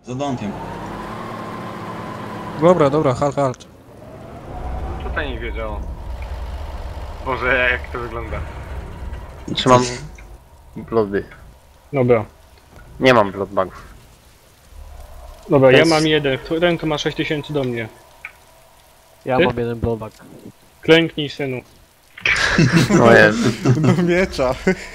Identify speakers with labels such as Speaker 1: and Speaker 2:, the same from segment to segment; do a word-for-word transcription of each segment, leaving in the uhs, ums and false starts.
Speaker 1: Za domkiem.
Speaker 2: Dobra, dobra, halt, halt.
Speaker 3: Tutaj nie wiedziało. Boże, jak to wygląda.
Speaker 4: Trzymam bloody.
Speaker 5: Dobra.
Speaker 4: Nie mam bloodbagów.
Speaker 5: Dobra,
Speaker 4: To
Speaker 5: ja
Speaker 4: jest-
Speaker 5: mam jeden. Ten to ma sześć tysięcy do mnie.
Speaker 6: Ja
Speaker 5: Ty?
Speaker 6: mam jeden blowback.
Speaker 5: Klęknij, synu.
Speaker 4: O Jezu.
Speaker 2: Do miecza.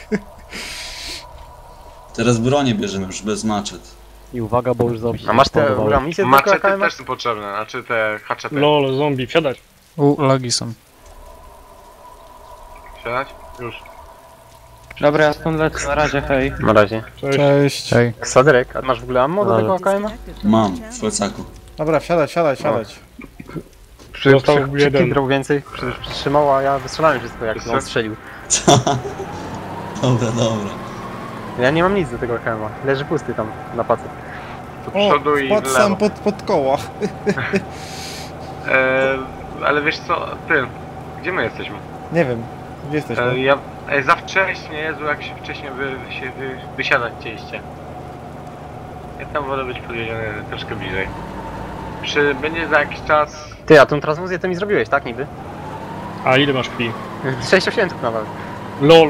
Speaker 1: Teraz bronię bierzemy już bez maczet.
Speaker 6: I uwaga, bo już zombie.
Speaker 4: A masz te
Speaker 6: spawnowały.
Speaker 4: amunicje do
Speaker 3: Maczety
Speaker 4: K M?
Speaker 3: też są potrzebne, znaczy te haczety.
Speaker 5: Lol, zombie, wsiadać.
Speaker 2: U, lagi są.
Speaker 3: Siadać? Już.
Speaker 7: Dobra, ja stąd lecę, na razie, hej.
Speaker 4: Na razie.
Speaker 5: Cześć.
Speaker 2: Cześć. Hej.
Speaker 4: Saderek, a masz w ogóle ammo do
Speaker 6: Ale-
Speaker 4: tego A K M?
Speaker 1: Mam, w plecaku.
Speaker 2: Dobra, wsiadać, wsiadać, wsiadać.
Speaker 4: Przy,
Speaker 5: Został
Speaker 4: przy, przy
Speaker 5: jeden.
Speaker 4: Kindrał więcej przy, przytrzymał, a ja wystrzelałem wszystko jak
Speaker 3: Wiesz
Speaker 4: on
Speaker 3: co?
Speaker 4: strzelił.
Speaker 1: Dobra, dobra.
Speaker 4: Ja nie mam nic do tego A K M-a. Leży pusty tam na pacy.
Speaker 3: Do przodu i w
Speaker 2: wpadł
Speaker 3: lewo.
Speaker 2: sam pod, pod koła.
Speaker 3: E, ale wiesz co, ty, gdzie my jesteśmy?
Speaker 2: Nie wiem, gdzie
Speaker 3: E,
Speaker 2: jesteśmy?
Speaker 3: ja, e, za wcześnie, Jezu, jak się wcześniej wy, się wy, wysiadać chcieliście. Ja tam wolę być podjedziony troszkę bliżej. Przy, będzie za jakiś czas...
Speaker 4: Ty, a tą transfuzję to mi zrobiłeś, tak niby?
Speaker 5: A ile masz krwi?
Speaker 4: sześć osiemców nawet.
Speaker 5: Lol.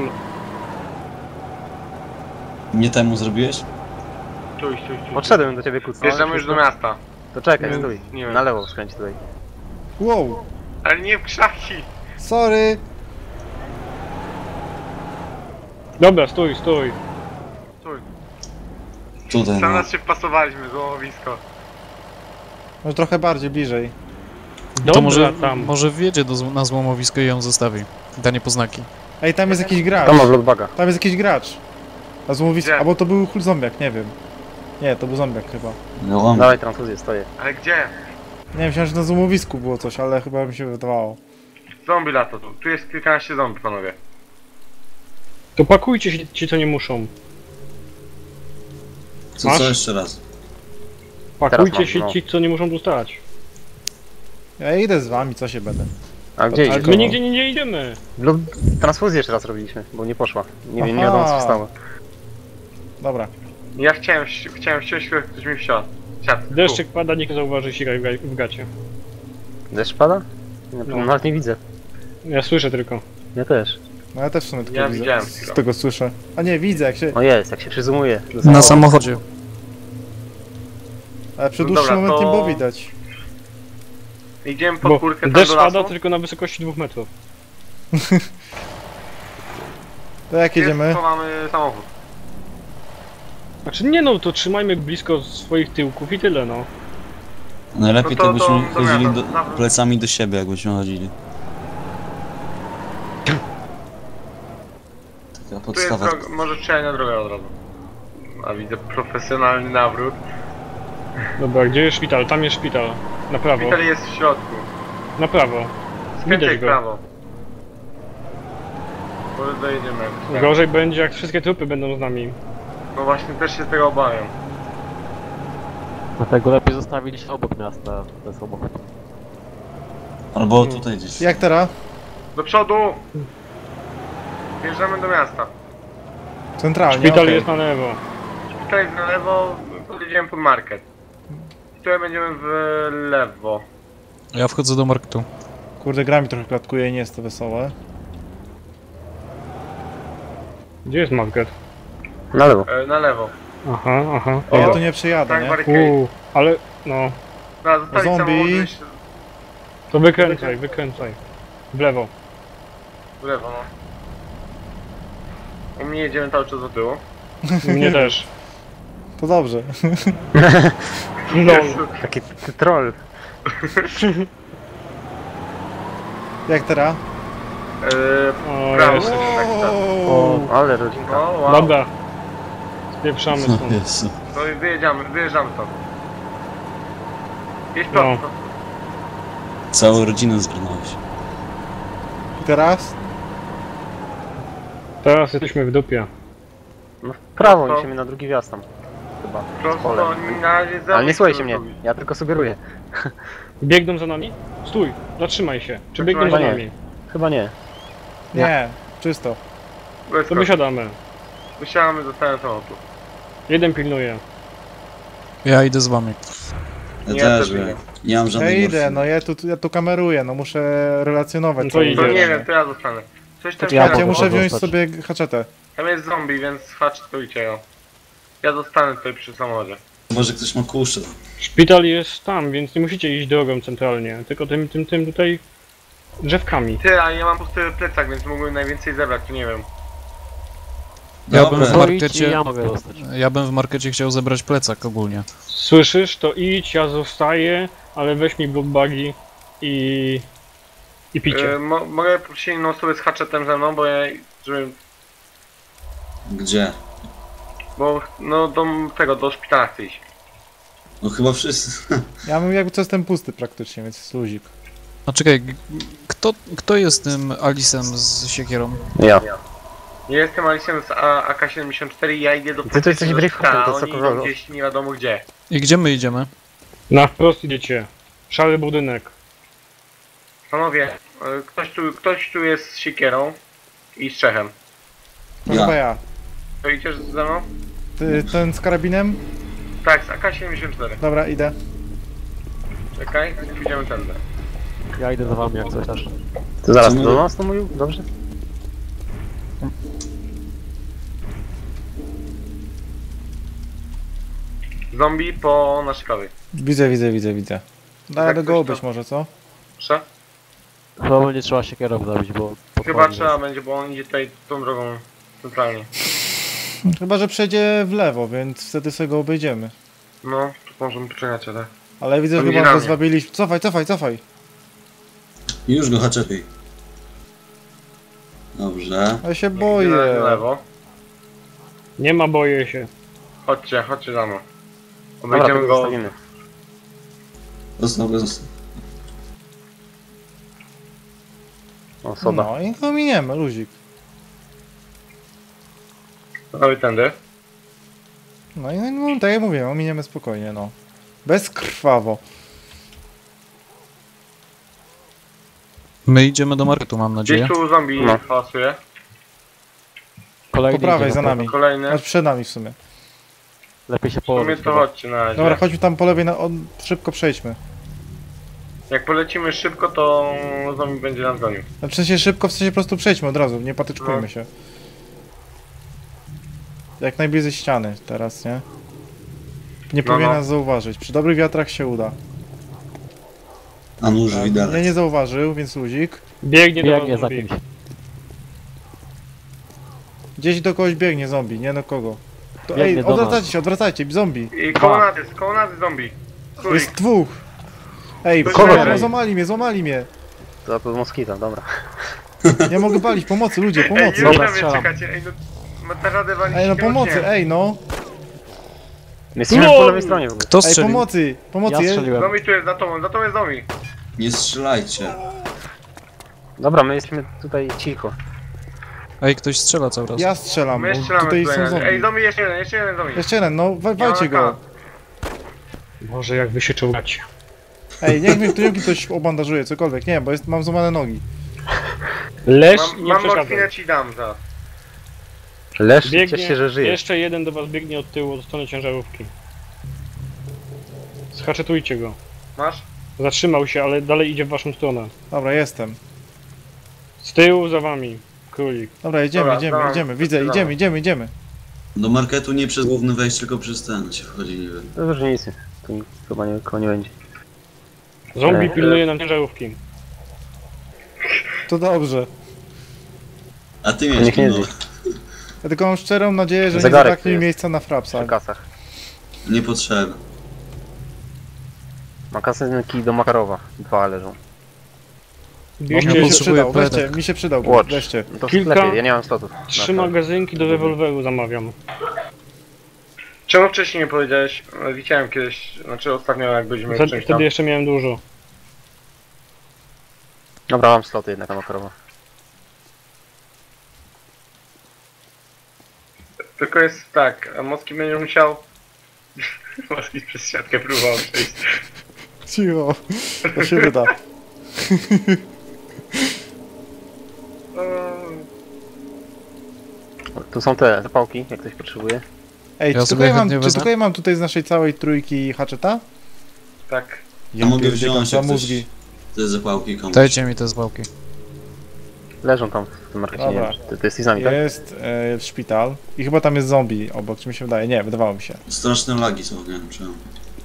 Speaker 1: Nie temu zrobiłeś?
Speaker 3: Stój, stój, stój.
Speaker 4: Podszedłem do ciebie kucnąć.
Speaker 3: Wjeżdżamy już do miasta.
Speaker 4: To czekaj,
Speaker 3: Nie,
Speaker 4: stój.
Speaker 3: nie wiem.
Speaker 4: Na lewo skręć tutaj.
Speaker 2: Wow,
Speaker 3: Ale nie w krzaki!
Speaker 2: sorry.
Speaker 5: Dobra, stój, stój.
Speaker 3: Stój.
Speaker 1: Tutaj,
Speaker 3: Sam
Speaker 1: no.
Speaker 3: nas się wpasowaliśmy, złomowisko.
Speaker 2: Może trochę bardziej, bliżej.
Speaker 5: Dobra,
Speaker 2: No
Speaker 5: no
Speaker 2: tak.
Speaker 5: może
Speaker 2: może-
Speaker 5: tam.
Speaker 2: Może wjedzie do, na złomowisko i ją zostawi. Da niepoznaki.
Speaker 8: Ej, tam jest jakiś gracz.
Speaker 4: To ma bloodbaga.
Speaker 8: Tam jest jakiś gracz. A złomowisko.
Speaker 3: Gdzie?
Speaker 8: Albo to był hul zombiak, nie wiem. Nie, to był zombiak chyba.
Speaker 1: No, mam.
Speaker 4: Dawaj transfuzję, stoję.
Speaker 3: Ale gdzie?
Speaker 8: Nie wiem, myślałem, że na złomowisku było coś, ale chyba mi się wydawało.
Speaker 3: Zombie lata tu. Tu jest kilkanaście zombie, panowie.
Speaker 5: To pakujcie się ci, co nie muszą.
Speaker 1: Co,
Speaker 5: Masz?
Speaker 1: co jeszcze raz?
Speaker 5: Pakujcie
Speaker 4: mam,
Speaker 5: się
Speaker 4: no.
Speaker 5: ci, co nie muszą dostać.
Speaker 8: Ja idę z wami, co się będę.
Speaker 4: A gdzie
Speaker 5: Ale
Speaker 4: idzie?
Speaker 5: my nigdzie nie, nie idziemy.
Speaker 4: Blood... Transfuzję jeszcze raz robiliśmy, bo nie poszła. Nie wiem, nie
Speaker 8: Aha.
Speaker 4: wiadomo co się stało.
Speaker 8: Dobra.
Speaker 3: Ja chciałem, wsi- chciałem wsiąść, ale ktoś mi wsiadł. Siadł. Tu.
Speaker 5: Deszczyk pada, nikt nie zauważy sika w ga- w gacie.
Speaker 4: Deszcz pada? Ja
Speaker 5: No.
Speaker 4: no. nawet nie widzę.
Speaker 5: Ja słyszę tylko.
Speaker 4: Ja też.
Speaker 8: No ja też w sumie tylko
Speaker 3: Ja
Speaker 8: widzę.
Speaker 3: widziałem
Speaker 8: Z
Speaker 3: chwilę.
Speaker 8: tego słyszę. A nie, widzę jak się...
Speaker 4: O jest, jak się przyzumuje. do
Speaker 2: Na
Speaker 4: samochodu.
Speaker 2: samochodzie.
Speaker 8: Ale przy
Speaker 3: No
Speaker 8: dłuższym
Speaker 3: dobra,
Speaker 8: moment
Speaker 3: to-
Speaker 8: nie było widać.
Speaker 3: Idziemy pod
Speaker 5: Bo
Speaker 3: górkę tam
Speaker 5: deszcz
Speaker 3: do
Speaker 5: pada
Speaker 3: lasu.
Speaker 5: tylko na wysokości dwóch metrów.
Speaker 8: To jak jedziemy?
Speaker 3: Jest, to mamy samochód.
Speaker 5: Znaczy nie no, to trzymajmy blisko swoich tyłków i tyle no.
Speaker 1: Najlepiej
Speaker 3: No
Speaker 1: to,
Speaker 3: to-
Speaker 1: byśmy
Speaker 3: to- to
Speaker 1: chodzili
Speaker 3: ja
Speaker 1: do,
Speaker 3: to- na-
Speaker 1: plecami do siebie, jakbyśmy chodzili. Taka
Speaker 3: Tu jest
Speaker 1: podstawa.
Speaker 3: droga, może strzelać na drogę od razu. A widzę profesjonalny nawrót.
Speaker 5: Dobra, gdzie jest szpital? Tam jest szpital. Na prawo.
Speaker 3: Szpital jest w środku.
Speaker 5: Na prawo.
Speaker 3: Skręcaj
Speaker 5: Widać
Speaker 3: w
Speaker 5: go.
Speaker 3: prawo. Może dojedziemy. jakoś tak.
Speaker 5: Gorzej będzie, jak wszystkie trupy będą z nami.
Speaker 3: No właśnie, też się tego obawiam.
Speaker 6: Dlatego lepiej zostawiliście obok miasta ten samochód.
Speaker 1: Albo tutaj gdzieś.
Speaker 8: Jak teraz?
Speaker 3: Do przodu! Wjeżdżamy do miasta.
Speaker 8: Centralnie,
Speaker 5: Szpital
Speaker 8: okej.
Speaker 5: jest na lewo.
Speaker 3: Szpital jest na lewo, podjedziemy pod market. Tutaj będziemy w lewo.
Speaker 2: Ja wchodzę do marketu.
Speaker 8: Kurde, gra mi trochę klatkuje i nie jest to wesołe.
Speaker 5: Gdzie jest market?
Speaker 4: Na lewo.
Speaker 3: E, na lewo.
Speaker 5: Aha, aha.
Speaker 8: O, ja
Speaker 3: O,
Speaker 8: tu nie przejadę,
Speaker 3: Tak,
Speaker 8: nie?
Speaker 3: barricade.
Speaker 5: Uuu, ale no.
Speaker 3: No, zostawić
Speaker 8: Zombie.
Speaker 3: samochód, gdzieś
Speaker 5: To wykręcaj, wykręcaj. W lewo.
Speaker 3: w lewo, no. U mnie jedziemy cały czas do tyłu.
Speaker 5: Mnie też.
Speaker 8: To dobrze.
Speaker 5: No.
Speaker 3: Jezu.
Speaker 4: Taki ty troll.
Speaker 8: Jak teraz?
Speaker 3: E,
Speaker 5: O,
Speaker 3: prawo
Speaker 5: jest.
Speaker 3: się tak stało.
Speaker 4: O,
Speaker 8: Wow.
Speaker 4: ale rodzinka.
Speaker 3: No, wow.
Speaker 5: Dobra. Spieprzamy
Speaker 1: No,
Speaker 5: stąd.
Speaker 1: Jezu.
Speaker 3: No i wyjedziemy, wyjeżdżamy stąd. Jedź
Speaker 5: No.
Speaker 3: prosto.
Speaker 1: Całą rodzinę zgarnąłeś.
Speaker 8: I teraz?
Speaker 5: Teraz jesteśmy w dupie.
Speaker 4: No w prawo,
Speaker 3: To-
Speaker 4: niesiemy na drugi wjazd tam. Chyba.
Speaker 3: Prosto,
Speaker 4: Pole.
Speaker 3: na razie za
Speaker 4: Ale nie
Speaker 3: mną
Speaker 4: słuchajcie
Speaker 3: chcę
Speaker 4: mnie,
Speaker 3: zrobić.
Speaker 4: ja tylko sugeruję.
Speaker 5: Biegną za nami? Stój, zatrzymaj się. Czy biegną za
Speaker 4: Chyba nie.
Speaker 5: nami?
Speaker 4: Chyba nie.
Speaker 8: Nie, czysto.
Speaker 5: To
Speaker 3: Wyskocz.
Speaker 5: wysiadamy.
Speaker 3: Wysiadamy do całego samochodu.
Speaker 5: Jeden pilnuje.
Speaker 2: Ja idę z wami.
Speaker 1: Ja
Speaker 3: Nie,
Speaker 1: też
Speaker 3: to
Speaker 1: wiem.
Speaker 3: nie.
Speaker 1: Nie mam
Speaker 8: Ja
Speaker 1: żadnej
Speaker 8: idę,
Speaker 1: morfiny.
Speaker 8: no ja tu, ja tu kameruję, no muszę relacjonować.
Speaker 5: No to
Speaker 8: cały
Speaker 5: idę.
Speaker 3: To
Speaker 8: dzień.
Speaker 3: nie wiem, to ja zostanę. Coś tam
Speaker 6: To ja
Speaker 8: Ja,
Speaker 3: się
Speaker 8: ja
Speaker 6: mogę
Speaker 8: muszę wziąć
Speaker 6: zostać.
Speaker 8: sobie haczetę.
Speaker 3: Tam jest zombie, więc hacztujcie ją. Ja zostanę tutaj przy samochodzie.
Speaker 1: Może ktoś ma kuszę.
Speaker 5: Szpital jest tam, więc nie musicie iść drogą centralnie, tylko tym, tym, tym tutaj drzewkami.
Speaker 3: Ty, a ja mam pusty plecak, więc mógłbym najwięcej zebrać, to nie wiem.
Speaker 2: Ja bym w
Speaker 1: Dobra.
Speaker 6: To idź i
Speaker 2: markecie...
Speaker 6: ja mogę zostać.
Speaker 2: Ja bym w markecie chciał zebrać plecak ogólnie.
Speaker 5: Słyszysz? To idź, ja zostaję, ale weź mi blockbagi i... i picie.
Speaker 3: Yy, mo mogę prosić inną osobę z haczetem ze mną, bo ja... Żeby,
Speaker 1: Gdzie?
Speaker 3: bo no do tego, do szpitala chcę iść.
Speaker 1: No chyba wszyscy.
Speaker 8: Ja mam jakby co jestem pusty praktycznie, więc jest luzik.
Speaker 2: A czekaj, g- kto, kto jest tym Alisem z siekierą?
Speaker 4: Ja.
Speaker 3: Ja jestem Alicem z A K siedemdziesiąt cztery i ja idę do
Speaker 4: Ty to jesteś
Speaker 3: do
Speaker 4: Briefhawkiem,
Speaker 3: szpitala,
Speaker 4: to co
Speaker 3: oni idą
Speaker 4: kogo?
Speaker 3: gdzieś nie wiadomo gdzie.
Speaker 2: I gdzie my idziemy?
Speaker 5: Na wprost idziecie. Szary budynek.
Speaker 3: Panowie, yy, ktoś tu, ktoś tu jest z siekierą i z Czechem.
Speaker 8: To
Speaker 1: Ja.
Speaker 8: chyba ja.
Speaker 3: To idziesz ze mną?
Speaker 8: Ty, ten z karabinem?
Speaker 3: Tak, z A K siedemdziesiąt cztery.
Speaker 8: Dobra, idę.
Speaker 3: Czekaj, pójdziemy tędy.
Speaker 6: Ja idę za wami jak coś też.
Speaker 4: To zaraz
Speaker 1: Co my-
Speaker 4: do nas to mówił? Dobrze?
Speaker 3: Zombie po naszej prawej.
Speaker 8: Widzę, widzę, widzę, widzę. Da
Speaker 3: Jak
Speaker 8: radę go
Speaker 3: coś
Speaker 8: obejść
Speaker 3: to-
Speaker 8: może, co?
Speaker 3: Proszę?
Speaker 6: Chyba będzie trzeba siekierą zabić, bo...
Speaker 3: Chyba
Speaker 6: podchodzi
Speaker 3: trzeba
Speaker 6: nas.
Speaker 3: będzie, bo on idzie tutaj tą drogą centralnie.
Speaker 8: Chyba, że przejdzie w lewo, więc wtedy sobie go obejdziemy.
Speaker 3: No, to możemy poczekać, ale...
Speaker 8: Ale widzę,
Speaker 3: To
Speaker 8: że
Speaker 3: idzie
Speaker 8: chyba
Speaker 3: na
Speaker 8: go
Speaker 3: mnie.
Speaker 8: zwabiliśmy. Cofaj, cofaj, cofaj.
Speaker 1: Już go haczepiej. Dobrze.
Speaker 8: Ja się
Speaker 3: Idzie
Speaker 8: boję.
Speaker 3: na lewo.
Speaker 5: Nie ma, boję się.
Speaker 3: Chodźcie, chodźcie za mną.
Speaker 4: Dobra,
Speaker 3: Obejdziemy
Speaker 4: to
Speaker 3: go.
Speaker 4: zostawimy.
Speaker 1: Został bez...
Speaker 4: O, soda.
Speaker 8: No i go miniemy, luzik.
Speaker 3: Panowie tędy.
Speaker 8: No i no, tak jak mówię, ominiemy spokojnie, no. Bezkrwawo.
Speaker 2: My idziemy do marketu, mam nadzieję.
Speaker 3: Gdzieś tu zombie
Speaker 4: No.
Speaker 3: hałasuje.
Speaker 6: Kolejny
Speaker 8: Po prawej,
Speaker 6: idzie
Speaker 8: za
Speaker 6: na
Speaker 8: nami.
Speaker 3: Kolejny.
Speaker 8: Znaczy przed nami w sumie.
Speaker 6: Lepiej się
Speaker 3: W sumie
Speaker 6: położyć.
Speaker 3: to
Speaker 6: chyba.
Speaker 3: chodźcie na razie.
Speaker 8: Dobra, chodźmy tam po lewej, na, on, szybko przejdźmy.
Speaker 3: Jak polecimy szybko, to zombie będzie nas gonił.
Speaker 8: Znaczy w sensie szybko, w sensie po prostu przejdźmy od razu, nie patyczkujmy
Speaker 3: No.
Speaker 8: się. Jak najbliżej ściany teraz, nie? Nie
Speaker 3: No,
Speaker 8: powinien
Speaker 3: no.
Speaker 8: nas zauważyć. Przy dobrych wiatrach się uda.
Speaker 1: A nóż
Speaker 8: Ja
Speaker 1: widelec.
Speaker 8: nie zauważył, więc luzik.
Speaker 5: Biegnie do
Speaker 6: Biegnie
Speaker 5: was
Speaker 6: za
Speaker 5: zombie.
Speaker 6: kimś.
Speaker 8: Gdzieś do kogoś biegnie zombie, nie do kogo. To,
Speaker 6: Biegnie
Speaker 8: ej,
Speaker 6: do nas.
Speaker 8: odwracajcie się, odwracajcie, zombie.
Speaker 3: I koło nas jest, koło nas jest zombie. Królik.
Speaker 8: Jest dwóch. Ej,
Speaker 3: To
Speaker 8: kogo?
Speaker 3: czekaj.
Speaker 8: Złamali mnie, złamali mnie.
Speaker 4: To to moskito, dobra.
Speaker 8: Nie mogę palić, pomocy, ludzie,
Speaker 3: Ej,
Speaker 8: pomocy.
Speaker 3: już
Speaker 6: Dobra,
Speaker 3: na mnie
Speaker 6: strzelam.
Speaker 3: czekacie, ej no... Ma ta radę walić
Speaker 8: Ej, no
Speaker 3: śmiercią.
Speaker 8: pomocy, ej, no.
Speaker 4: My jesteśmy
Speaker 5: No!
Speaker 4: po lewej stronie w ogóle.
Speaker 2: Kto
Speaker 8: Ej,
Speaker 2: strzelił?
Speaker 8: pomocy, pomocy.
Speaker 6: Ja
Speaker 8: je-
Speaker 6: strzeliłem.
Speaker 3: Zombie tu jest, za tobą, za tobą jest zombie.
Speaker 1: Nie strzelajcie.
Speaker 4: Dobra, my jesteśmy tutaj cicho.
Speaker 2: Ej, ktoś strzela cały czas.
Speaker 8: Ja strzelam,
Speaker 3: My
Speaker 8: bo
Speaker 3: strzelamy
Speaker 8: tutaj
Speaker 3: tutaj
Speaker 8: są
Speaker 3: na razie. Ej,
Speaker 8: zombie.
Speaker 3: zombie jeszcze jeden, jeszcze jeden zombie.
Speaker 8: Jeszcze jeden, no, wa- walcie
Speaker 3: Ja
Speaker 8: go.
Speaker 3: mam
Speaker 5: Boże, jak wy się czołgacie.
Speaker 8: Ej, niech mnie tu ktoś obandażuje, cokolwiek, nie, bo jest, mam złamane nogi.
Speaker 5: Leż i
Speaker 3: Mam,
Speaker 5: nie
Speaker 3: mam
Speaker 5: przeszkadzaj.
Speaker 3: morfinę ci dam za.
Speaker 4: Leż,
Speaker 5: Biegnie,
Speaker 4: ciesz się, że żyjesz.
Speaker 5: jeszcze jeden do was biegnie od tyłu, od strony ciężarówki. Schaczetujcie go.
Speaker 3: Masz?
Speaker 5: Zatrzymał się, ale dalej idzie w waszą stronę.
Speaker 8: Dobra, jestem.
Speaker 5: Z tyłu za wami. Królik.
Speaker 8: Dobra, jedziemy,
Speaker 3: Dobra,
Speaker 8: idziemy,
Speaker 3: dawaj,
Speaker 8: idziemy, widzę,
Speaker 3: dawaj.
Speaker 8: idziemy, idziemy, idziemy.
Speaker 1: Do marketu nie przez główny wejść, tylko przez ten się wchodzi niby.
Speaker 4: To już nic. Tu nikt chyba nie, koło nie będzie.
Speaker 5: Zombie
Speaker 4: Ej.
Speaker 5: pilnuje nam ciężarówki.
Speaker 8: To dobrze.
Speaker 1: A ty
Speaker 4: To
Speaker 1: miałeś
Speaker 4: niech nie
Speaker 1: no,
Speaker 4: zje.
Speaker 8: Ja tylko mam szczerą nadzieję, że nie
Speaker 4: Zegarek
Speaker 8: zabraknie
Speaker 4: tu
Speaker 8: mi
Speaker 4: jest.
Speaker 8: miejsca na frapsa.
Speaker 4: Przy kasach.
Speaker 1: niepotrzebne.
Speaker 4: Makasynki do Makarowa. Dwa leżą.
Speaker 8: Mi
Speaker 5: Bierzcie
Speaker 2: Ja
Speaker 8: się
Speaker 2: potrzebuję
Speaker 8: przydał,
Speaker 2: plecak.
Speaker 8: weźcie, mi się przydał,
Speaker 4: Watch.
Speaker 8: weźcie.
Speaker 4: No to w
Speaker 5: Kilka-
Speaker 4: sklepie, ja nie mam slotów.
Speaker 5: trzy
Speaker 4: Na-
Speaker 5: magazynki do rewolweru zamawiam.
Speaker 3: Czemu wcześniej nie powiedziałeś? E, Widziałem kiedyś, znaczy ostatnio jak byliśmy
Speaker 5: Wtedy,
Speaker 3: czymś tam.
Speaker 5: wtedy jeszcze miałem dużo.
Speaker 4: Dobra, mam sloty jednak na Makarowa.
Speaker 3: Tylko jest tak, a Moski będzie musiał... Moski przez siatkę próbował przejść.
Speaker 8: Cicho, to się wyda.
Speaker 3: O,
Speaker 4: Tu są te zapałki, jak ktoś potrzebuje.
Speaker 8: Ej,
Speaker 2: Ja
Speaker 8: czy,
Speaker 2: sobie
Speaker 8: tylko ja mam,
Speaker 2: chętnie
Speaker 8: czy
Speaker 2: wezmę.
Speaker 8: tylko ja mam tutaj z naszej całej trójki haczeta?
Speaker 3: Tak.
Speaker 1: Ja mogę
Speaker 8: pierdzielę,
Speaker 1: wziąć
Speaker 8: za
Speaker 1: jak
Speaker 8: mózgi.
Speaker 1: Te zapałki komuś.
Speaker 2: Dajcie mi te zwałki.
Speaker 4: Leżą tam w tym markecie, nie
Speaker 8: Dobra.
Speaker 4: wiem, czy ty, ty jesteś z nami, tak?
Speaker 8: Jest e, szpital i chyba tam jest zombie obok, czy mi się wydaje? Nie, wydawało mi się.
Speaker 1: Straszne lagi są, nie wiem czemu.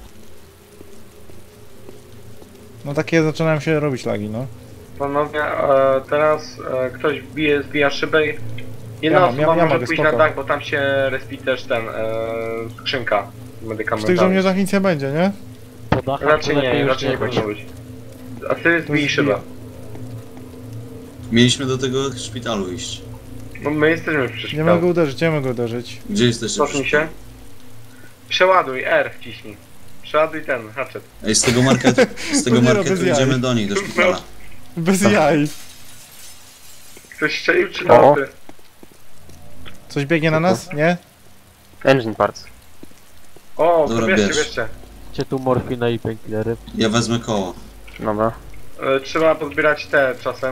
Speaker 8: No takie zaczynają się robić lagi, no.
Speaker 3: Panowie, e, teraz e, ktoś wbije, zbija szybę. i- Jedna
Speaker 8: Ja mam,
Speaker 3: osoba
Speaker 8: ja- ja
Speaker 3: może
Speaker 8: mogę,
Speaker 3: pójść
Speaker 8: spoko.
Speaker 3: na dach, bo tam się respi też ten, e, skrzynka
Speaker 8: W tych
Speaker 3: medykamentalna.
Speaker 8: żołnierzach nic nie będzie, nie?
Speaker 6: Po dachach
Speaker 3: Raczej
Speaker 6: to lepiej
Speaker 3: nie,
Speaker 6: już
Speaker 3: raczej nie
Speaker 6: nie być.
Speaker 3: powinno być. A ty zbij
Speaker 8: zbije.
Speaker 3: szybę.
Speaker 1: Mieliśmy do tego szpitalu iść.
Speaker 3: No my jesteśmy przy
Speaker 8: Nie
Speaker 3: szpitalu.
Speaker 8: mogę uderzyć, nie mogę uderzyć.
Speaker 1: Gdzie jesteście?
Speaker 3: Cofnij się. Przeładuj, R wciśnij. Przeładuj ten, hatchet.
Speaker 1: Ej, z tego marketu, z tego
Speaker 8: No nie, no,
Speaker 1: marketu
Speaker 8: bez jaj.
Speaker 1: idziemy do nich, do szpitala.
Speaker 8: Bez jaj.
Speaker 3: Ktoś strzelił czy
Speaker 4: O.
Speaker 3: ty?
Speaker 8: Coś biegnie na nas? Nie?
Speaker 4: Engine parts.
Speaker 3: O, to
Speaker 1: Dobra,
Speaker 3: bierzcie,
Speaker 1: bierz.
Speaker 3: bierzcie.
Speaker 6: Macie tu morfinę i painkillery.
Speaker 1: Ja wezmę koło.
Speaker 4: Dobra.
Speaker 3: E, trzeba pozbierać te czasem.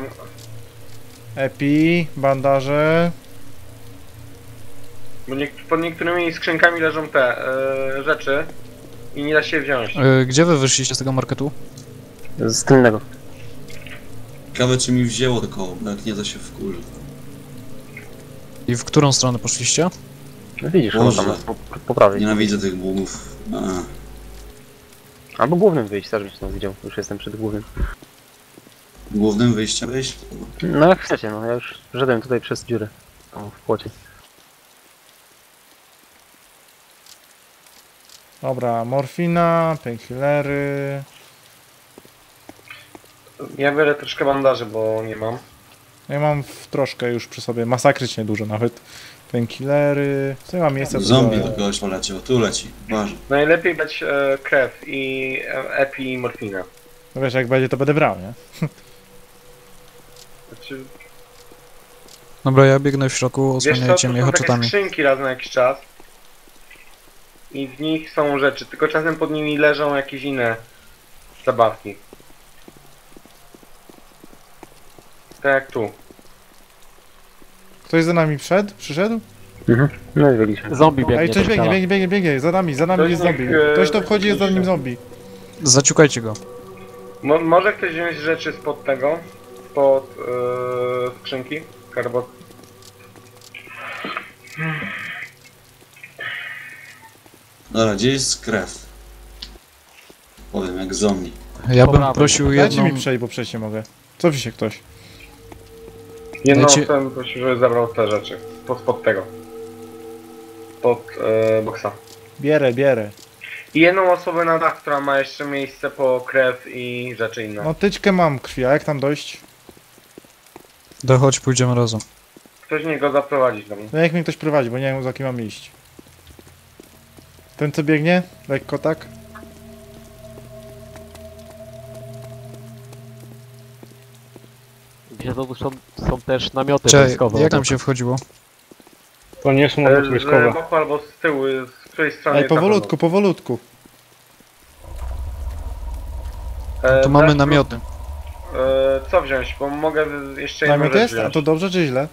Speaker 8: Epi, bandaże.
Speaker 3: Bo nie, pod niektórymi skrzynkami leżą te e, rzeczy i nie da się je wziąć.
Speaker 2: E, Gdzie wy wyszliście z tego marketu?
Speaker 4: Z tylnego.
Speaker 1: Ciekawe czy mi wzięło to koło, bo jak nie to się wkurzy.
Speaker 2: I w którą stronę poszliście?
Speaker 4: No widzisz, chyba
Speaker 1: Boże.
Speaker 4: tam jest po, po prawej.
Speaker 1: Nienawidzę tych bugów. A.
Speaker 4: Albo głównym wyjść, też byś nas widział. Już jestem przed głównym.
Speaker 1: Głównym wyjściem wyjść?
Speaker 4: No jak chcecie, no ja już szedłem tutaj przez dziurę. Tam w płocie.
Speaker 8: Dobra, morfina, painkillery.
Speaker 3: Ja biorę troszkę bandaży, bo nie mam.
Speaker 8: Ja mam w troszkę już przy sobie, masakrycznie dużo nawet. Painkillery. Co ja mam miejsce?
Speaker 1: Zombie do kogoś poleciał, tu leci. Uważaj.
Speaker 3: Najlepiej dać e, krew i e, epi i morfinę.
Speaker 8: No wiesz, jak będzie to będę brał, nie?
Speaker 3: Znaczy,
Speaker 2: Dobra, ja biegnę w środku,
Speaker 3: wiesz co, to
Speaker 2: osłaniajcie mnie
Speaker 3: są takie
Speaker 2: haczetami.
Speaker 3: skrzynki raz na jakiś czas. I w nich są rzeczy, tylko czasem pod nimi leżą jakieś inne zabawki. Tak jak tu.
Speaker 8: Ktoś za nami wszedł? Przyszedł?
Speaker 4: Mhm. No i byliśmy.
Speaker 6: Zombie biegnie.
Speaker 8: Ej, coś
Speaker 6: do
Speaker 8: biegnie,
Speaker 6: szpitala.
Speaker 8: biegnie, biegnie, biegnie. Za nami, za nami
Speaker 3: Ktoś
Speaker 8: jest
Speaker 3: niech,
Speaker 8: zombie.
Speaker 3: e,
Speaker 8: Ktoś to wchodzi, jest za nim zombie.
Speaker 2: Zaciukajcie go.
Speaker 3: Mo może ktoś wziąć rzeczy spod tego? Spod yy, skrzynki? Karbot.
Speaker 1: Dobra, gdzie jest krew? Powiem, jak zombie.
Speaker 2: Ja bym
Speaker 6: Dobra,
Speaker 2: prosił
Speaker 8: Dajcie
Speaker 2: jedną...
Speaker 8: mi przejść, bo przejść nie mogę. Cofi się ktoś.
Speaker 3: Jedną
Speaker 2: Dajcie-
Speaker 3: osobę prosił, żeby zabrał te rzeczy. Pod, spod tego. Pod yy, boksa.
Speaker 8: Bierę, bierę.
Speaker 3: I jedną osobę na dach, która ma jeszcze miejsce po krew i rzeczy inne.
Speaker 8: No tyczkę mam krwi, a jak tam dojść?
Speaker 2: Dochodź, pójdziemy razem.
Speaker 3: Ktoś niech go zaprowadzić do mnie.
Speaker 8: No jak mnie ktoś prowadzi, bo nie wiem za kim mam iść. Ten co biegnie? Lekko tak?
Speaker 6: Gdzie to są, są też namioty
Speaker 2: Cześć,
Speaker 6: wojskowe.
Speaker 2: jak tam
Speaker 6: obok.
Speaker 2: się wchodziło?
Speaker 5: To nie są
Speaker 3: E,
Speaker 5: obóz
Speaker 3: Z
Speaker 5: wojskowe.
Speaker 3: boku albo z tyłu, z której strony
Speaker 8: Ej,
Speaker 3: jest na
Speaker 8: powolutku, powolutku.
Speaker 3: pewno. E,
Speaker 2: Tu mamy
Speaker 3: dasz-
Speaker 2: namioty.
Speaker 3: E, co wziąć? Bo mogę jeszcze jedną
Speaker 8: Namiot
Speaker 3: rzecz
Speaker 8: jest? A
Speaker 3: wziąć.
Speaker 8: to dobrze czy źle?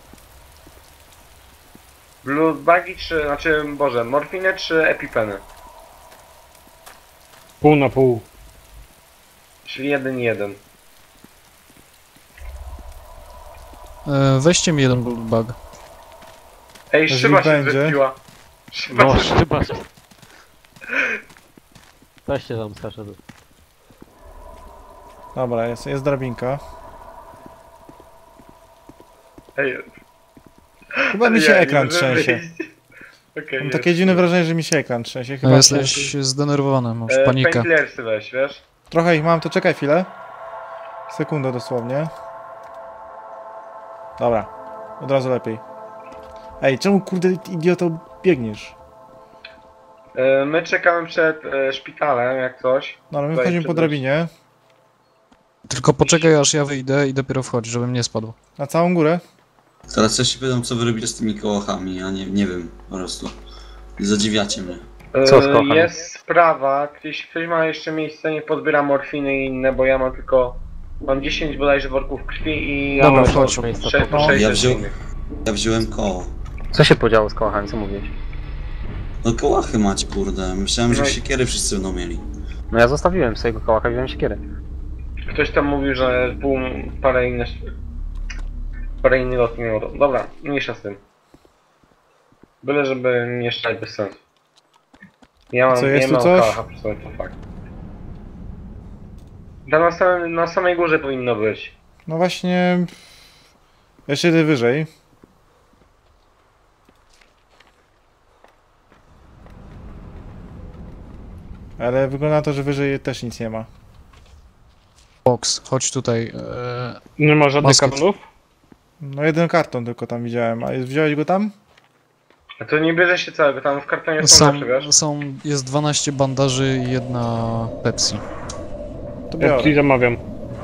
Speaker 3: Blue bagi czy, znaczy, boże, morfinę czy epipeny?
Speaker 5: Pół na pół.
Speaker 3: Czyli jeden i jeden.
Speaker 2: E, weźcie mi jeden bug.
Speaker 3: Ej,
Speaker 8: Jeżeli
Speaker 3: szyba się
Speaker 8: będzie.
Speaker 3: zrespiła. Szyba
Speaker 6: No,
Speaker 3: się...
Speaker 6: chyba się. Weźcie tam skacze.
Speaker 8: Dobra, jest, jest drabinka.
Speaker 3: Ej,
Speaker 8: Chyba mi się
Speaker 3: ja nie
Speaker 8: ekran
Speaker 3: mogę
Speaker 8: trzęsie.
Speaker 3: wyjść. Okej,
Speaker 8: Mam
Speaker 3: jest.
Speaker 8: takie dziwne wrażenie, że mi się ekran trzęsie. Chyba
Speaker 2: No, jesteś zdenerwowany, masz
Speaker 3: E,
Speaker 2: panikę.
Speaker 3: Painkillersy weź, wiesz?
Speaker 8: Trochę ich mam, to czekaj chwilę. Sekundę dosłownie. Dobra, od razu lepiej. Ej, czemu kurde idioto biegniesz?
Speaker 3: E, my czekamy przed e, szpitalem, jak coś.
Speaker 8: No ale my
Speaker 3: Tutaj
Speaker 8: wchodzimy po
Speaker 3: przed-
Speaker 8: drabinie.
Speaker 2: Tylko poczekaj aż ja wyjdę i dopiero wchodź, żebym nie spadł.
Speaker 8: Na całą górę?
Speaker 1: Teraz ja się pytam, co wy robicie z tymi kołachami, ja nie, nie wiem, po prostu. Zadziwiacie mnie.
Speaker 3: E,
Speaker 4: Co z kochami?
Speaker 3: Jest sprawa, jeśli ktoś ma jeszcze miejsce, nie podbiera morfiny i inne, bo ja mam tylko... Mam dziesięć bodajże worków krwi i...
Speaker 2: Dobra,
Speaker 3: mam
Speaker 2: wchodź.
Speaker 6: miejsca.
Speaker 3: sześć-
Speaker 8: No.
Speaker 3: sześć
Speaker 1: Ja
Speaker 3: rzeczy
Speaker 1: wziął-
Speaker 3: innych.
Speaker 1: Ja wziąłem koło.
Speaker 4: Co się podziało z kołachami, co mówiłeś?
Speaker 1: No kołachy macie, kurde. Myślałem, że
Speaker 3: No i-
Speaker 1: siekiery wszyscy będą mieli.
Speaker 4: No ja zostawiłem swojego kołaka, wziąłem siekierę.
Speaker 3: Ktoś tam mówił, że pół, parę innych... Parę innych lot nie miało. Dobra, mniejsza z tym. Byle, żeby nie strzelać bez sensu. Ja mam,
Speaker 8: Co, jest
Speaker 3: nie
Speaker 8: tu
Speaker 3: mam
Speaker 8: coś?
Speaker 3: kałacha przy sobie, to fakt. Tam na, samym, na samej górze powinno być.
Speaker 8: No właśnie... Jeszcze idę wyżej. Ale wygląda na to, że wyżej też nic nie ma.
Speaker 2: Box, chodź tutaj. E,
Speaker 5: Nie ma żadnych
Speaker 2: Moskit.
Speaker 5: kartonów?
Speaker 8: No jeden karton tylko tam widziałem. A jest- wziąłeś go tam?
Speaker 3: A to nie bierze się całego, tam w kartonie są
Speaker 2: są,
Speaker 3: rzeczy, wiesz?
Speaker 2: są, jest dwanaście bandaży i jedna Pepsi.
Speaker 8: To
Speaker 5: Ja
Speaker 8: biorę.
Speaker 5: ci zamawiam.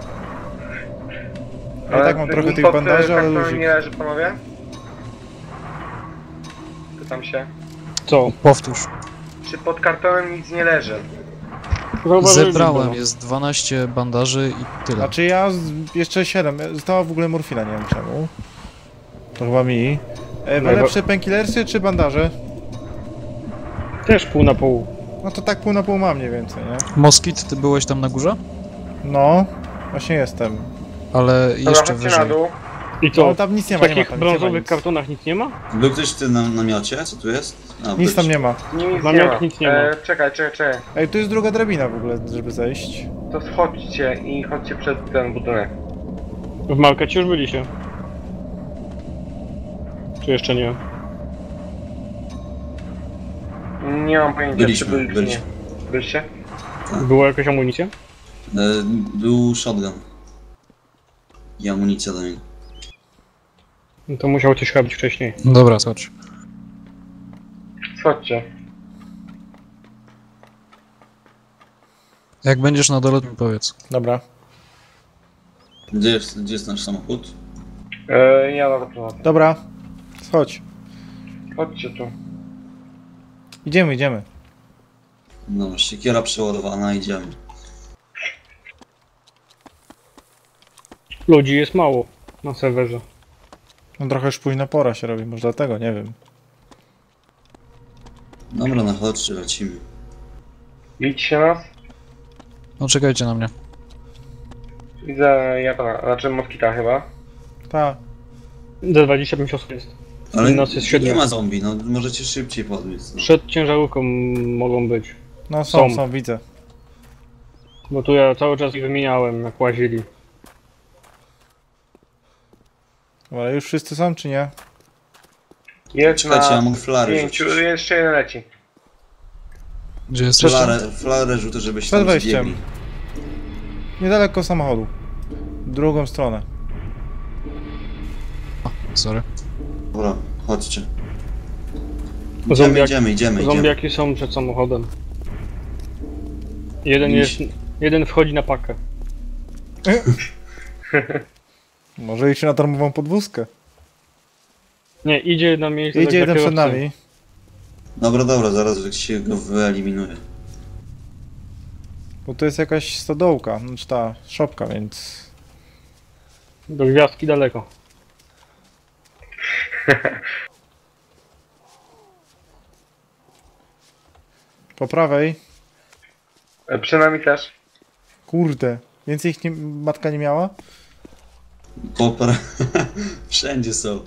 Speaker 8: Ja i tak mam trochę
Speaker 3: nic
Speaker 8: tych
Speaker 3: pod,
Speaker 8: bandaży,
Speaker 3: e,
Speaker 8: ale
Speaker 3: kartonem
Speaker 8: luzik.
Speaker 3: nie leży, panowie? Pytam się.
Speaker 5: Co?
Speaker 2: Powtórz.
Speaker 3: Czy pod kartonem nic nie leży?
Speaker 5: Zauważyli
Speaker 2: Zebrałem,
Speaker 5: go.
Speaker 2: jest dwanaście bandaży i tyle.
Speaker 8: Znaczy ja z, jeszcze siedem. Została w ogóle morfina, nie wiem czemu. To chyba mi. E,
Speaker 5: No i
Speaker 8: lepsze painkillersy czy bandaże?
Speaker 5: Też pół na pół.
Speaker 8: No to tak pół na pół mam mniej więcej, nie?
Speaker 2: Moskit, ty byłeś tam na górze?
Speaker 8: No, właśnie jestem.
Speaker 2: Ale
Speaker 3: Dobra,
Speaker 2: jeszcze
Speaker 3: chodźcie na
Speaker 2: wyżej.
Speaker 3: dół.
Speaker 5: I
Speaker 8: No
Speaker 5: co?
Speaker 8: tam nic nie
Speaker 5: W
Speaker 8: ma, nie ma
Speaker 5: takich
Speaker 8: tam, nic nie ma
Speaker 5: brązowych
Speaker 8: nic.
Speaker 5: kartonach nic nie ma?
Speaker 1: Był ktoś w tym na- namiocie? Co tu jest? A,
Speaker 8: Nic
Speaker 1: byliście.
Speaker 8: tam nie ma.
Speaker 3: Nic nie
Speaker 5: Namiot
Speaker 3: ma.
Speaker 5: nic nie ma.
Speaker 3: E, czekaj, czekaj, czekaj.
Speaker 8: Ej, tu jest druga drabina w ogóle, żeby zejść.
Speaker 3: To schodźcie i chodźcie przed ten budynek.
Speaker 5: W markecie już byliście. Czy jeszcze nie?
Speaker 3: Nie mam pojęcia,
Speaker 1: Byliśmy,
Speaker 3: czy byli, czy
Speaker 1: byliśmy.
Speaker 3: nie. Byliście?
Speaker 5: Była jakaś amunicja?
Speaker 1: E, był shotgun. I amunicja do niego.
Speaker 5: No to musiał coś robić wcześniej.
Speaker 2: Dobra, chodź.
Speaker 3: Schodźcie.
Speaker 2: Jak będziesz na dole, to mi powiedz.
Speaker 8: Dobra.
Speaker 1: Gdzie jest, gdzie jest nasz samochód?
Speaker 3: E, ja na to prowadzę.
Speaker 8: Dobra. Chodź.
Speaker 3: Chodźcie tu.
Speaker 8: Idziemy, idziemy.
Speaker 1: No, siekiera przeładowana, idziemy.
Speaker 5: Ludzi jest mało na serwerze.
Speaker 8: No trochę już późna pora się robi, może dlatego, nie wiem.
Speaker 1: Dobra, no chodźcie, lecimy.
Speaker 3: Widzicie nas?
Speaker 2: No czekajcie na mnie.
Speaker 3: Widzę Japana, znaczy Moskita chyba.
Speaker 8: Ta.
Speaker 5: D dwadzieścia pięć osób jest.
Speaker 1: Ale
Speaker 5: Nas jest
Speaker 1: nie
Speaker 5: siedmiu.
Speaker 1: ma zombie, no możecie szybciej podbiec. No.
Speaker 5: Przed ciężarówką mogą być.
Speaker 8: No są,
Speaker 5: Są.
Speaker 8: są, widzę.
Speaker 5: Bo tu ja cały czas ich wymieniałem, jak łazili.
Speaker 8: Ale już wszyscy są, czy nie?
Speaker 3: Jest
Speaker 1: Czekajcie, ja
Speaker 3: na
Speaker 1: mogę flary
Speaker 3: pięciu,
Speaker 1: rzucić.
Speaker 3: jeszcze jeden leci.
Speaker 2: Gdzie jesteś?
Speaker 1: Flarę, flarę rzucę, żebyś
Speaker 8: Przed
Speaker 1: tam
Speaker 8: wejściem.
Speaker 1: zbiegli.
Speaker 8: Niedaleko samochodu. Drugą stronę.
Speaker 2: Sorry.
Speaker 1: Dobra, chodźcie. Idziemy,
Speaker 5: Zombiaki,
Speaker 1: idziemy, idziemy, idziemy.
Speaker 5: zombiaki są przed samochodem. Jeden
Speaker 1: Iść.
Speaker 5: jest. Jeden wchodzi na pakę.
Speaker 8: Może iść na darmową podwózkę.
Speaker 5: Nie, idzie na miejsce.
Speaker 8: Idzie
Speaker 5: dla
Speaker 8: jeden przed
Speaker 5: kierowcy.
Speaker 8: nami.
Speaker 1: Dobra, dobra, zaraz się go wyeliminuje.
Speaker 8: Bo to jest jakaś stodołka, znaczy ta szopka, więc...
Speaker 5: Do gwiazdki daleko.
Speaker 8: Po prawej.
Speaker 3: E, Przy nami też.
Speaker 8: Kurde. Więcej ich nie, matka nie miała?
Speaker 1: Popra... Wszędzie są.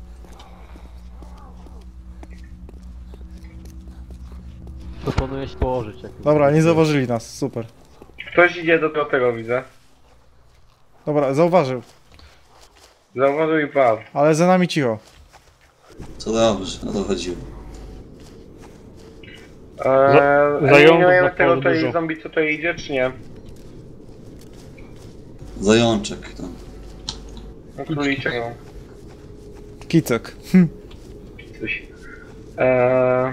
Speaker 6: Proponuję się położyć. Jak
Speaker 8: Dobra, nie zauważyli nas, super.
Speaker 3: Ktoś idzie do tego, widzę.
Speaker 8: Dobra, zauważył.
Speaker 3: Zauważył i padł.
Speaker 8: Ale za nami cicho.
Speaker 1: To dobrze, o to chodziło.
Speaker 3: Eee,
Speaker 5: zająków
Speaker 3: eliminujemy
Speaker 5: na
Speaker 3: tego
Speaker 5: polu
Speaker 3: tutaj
Speaker 5: dużo.
Speaker 3: zombie, co tutaj idzie, czy nie?
Speaker 1: Zajączek tam.
Speaker 3: No, króliczek, no.
Speaker 8: Kicek.
Speaker 3: Coś. Eee...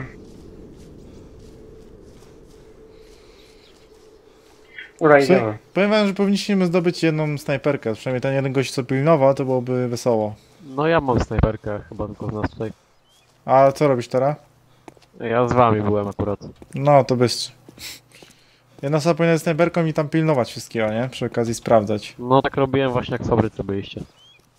Speaker 3: Dobra,
Speaker 8: Słuchaj,
Speaker 3: idziemy.
Speaker 8: powiem wam, że powinniśmy zdobyć jedną snajperkę. Przynajmniej ten jeden gość, co pilnował, to byłoby wesoło.
Speaker 6: No ja mam snajperkę, chyba tylko z nas tutaj.
Speaker 8: A co robisz teraz?
Speaker 6: Ja z wami byłem akurat.
Speaker 8: No, to bystrzy. Jedna osoba powinna z snajperką i tam pilnować wszystkiego, nie? Przy okazji sprawdzać.
Speaker 6: No tak robiłem właśnie jak w fabryce byliście.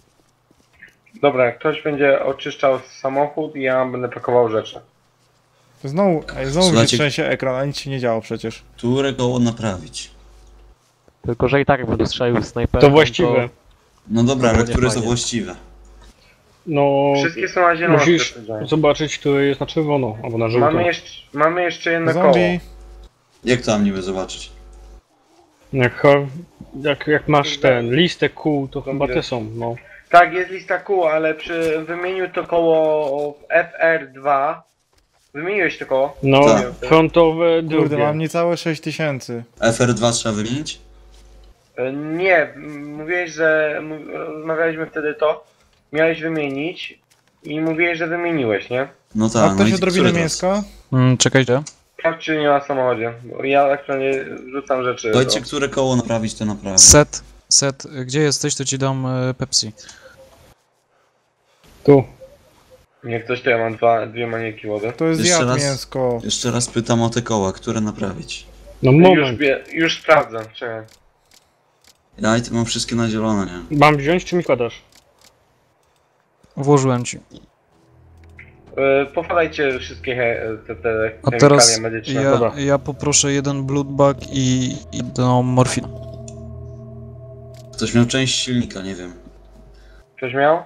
Speaker 3: Dobra, ktoś będzie oczyszczał samochód i ja będę pakował rzeczy.
Speaker 8: To znowu, ej, znowu mi się
Speaker 1: Słuchajcie-
Speaker 8: trzęsie ekran, a nic się nie działo przecież.
Speaker 1: Które koło naprawić?
Speaker 6: Tylko, że i tak jak będę strzelił snajperem,
Speaker 5: To właściwe.
Speaker 1: No dobra,
Speaker 6: To
Speaker 1: ale
Speaker 6: było
Speaker 1: które są
Speaker 6: niefajnie.
Speaker 1: właściwe?
Speaker 5: No,
Speaker 3: Wszystkie są na zielono.
Speaker 5: musisz
Speaker 3: stwierdzone.
Speaker 5: zobaczyć, które jest na czerwono, albo na żółto.
Speaker 3: Mamy jeszcze, mamy jeszcze jedno koło.
Speaker 8: Zombie.
Speaker 1: Jak to mam niby zobaczyć?
Speaker 5: Jak, ha- jak, jak masz ten listę kół, to chyba te są, no.
Speaker 3: Tak, jest lista kół, ale przy wymieniu to koło F R dwa. Wymieniłeś to koło?
Speaker 5: No,
Speaker 1: Tak.
Speaker 5: frontowe,
Speaker 8: Kurde,
Speaker 5: drugie.
Speaker 8: mam niecałe sześć tysięcy.
Speaker 1: F R dwa trzeba wymienić?
Speaker 3: E, Nie, m- mówiłeś, że m- rozmawialiśmy wtedy to. Miałeś wymienić i mówiłeś, że wymieniłeś, nie?
Speaker 1: No
Speaker 8: A
Speaker 1: tak, no
Speaker 8: ktoś
Speaker 1: i
Speaker 8: odrobinę
Speaker 1: które teraz?
Speaker 8: mięska?
Speaker 2: Mm, czekajcie.
Speaker 3: Tak czy nie ma w samochodzie? Bo ja aktualnie rzucam rzeczy.
Speaker 1: Powiedzcie,
Speaker 3: do-
Speaker 1: które koło naprawić, to naprawię.
Speaker 2: Set, set, gdzie jesteś, to ci dam e, Pepsi.
Speaker 5: Tu.
Speaker 3: Nie, ktoś to ja mam dwa, dwie manieki wody.
Speaker 8: To jest
Speaker 1: Jeszcze
Speaker 8: jad
Speaker 1: raz?
Speaker 8: mięsko.
Speaker 1: Jeszcze raz pytam o te koła, które naprawić.
Speaker 5: No
Speaker 3: Już,
Speaker 5: moment.
Speaker 3: bie- już sprawdzam, czekaj.
Speaker 1: Ja i to mam wszystkie na zielono, nie?
Speaker 5: Mam wziąć, czy mi wkładasz?
Speaker 2: Włożyłem ci.
Speaker 3: E, Powalajcie wszystkie he, te, te
Speaker 2: A
Speaker 3: chemikalia
Speaker 2: teraz
Speaker 3: medyczne.
Speaker 2: ja,
Speaker 5: dobra.
Speaker 2: ja poproszę jeden blood bag i i jedną morfinę.
Speaker 1: Ktoś miał część silnika, nie wiem.
Speaker 3: Ktoś miał?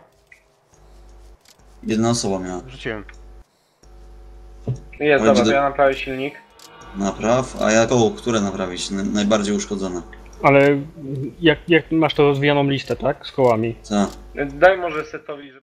Speaker 1: Jedna osoba miała.
Speaker 4: Rzuciłem.
Speaker 3: Jest,
Speaker 1: Oj,
Speaker 3: dobra,
Speaker 1: będę-
Speaker 3: to ja naprawię silnik.
Speaker 1: Napraw, a ja koło, które naprawić? N- najbardziej uszkodzone.
Speaker 5: Ale jak, jak masz to rozwijaną listę, tak? Z kołami.
Speaker 1: Tak.
Speaker 3: Daj może setowi, żeby...